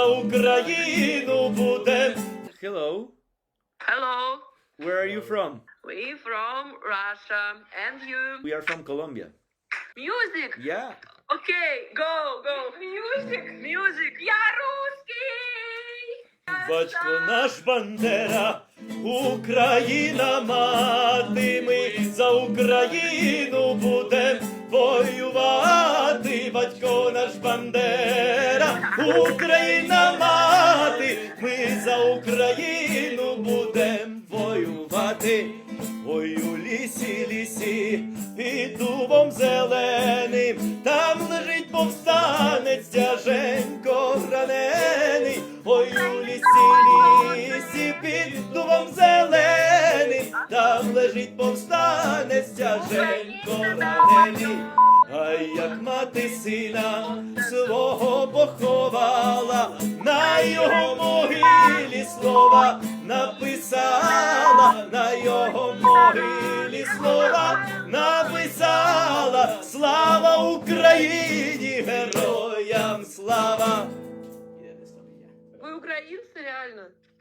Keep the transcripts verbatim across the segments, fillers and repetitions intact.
за Україну будем. Hello. Hello, Where are you from? we from Russia, and you? We are from Colombia. Music. Yeah. Okay, go, go. Music, music. Я русский. Батько наш Бандера, Україна мати, ми за Україну будем воювати. Батько наш Бандера, Україна мати, ми за Україну будем воювати. Ой, у лісі, лісі, під дубом зеленим, там лежить повстанець тяженько ранений. Ой, у лісі, лісі, під дубом зеленим, там лежить повстанець тяженько ранений. А як мати сина свого поховала, на його могилі слова написала, на його могилі слова написала. Слава Україні, героям слава! Вы украинцы, реально?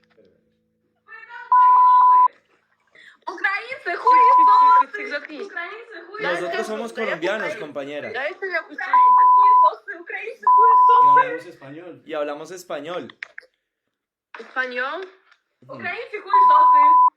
Украинцы Тихо, хуесосы! заткнись. Украинцы Да, хуесосы! Nosotros somos colombianos, compañera, Дайте я кусочек. Хуесосы! Украинцы хуесосы! hablamos español. y hablamos español. Español? Украинцы хуесосы!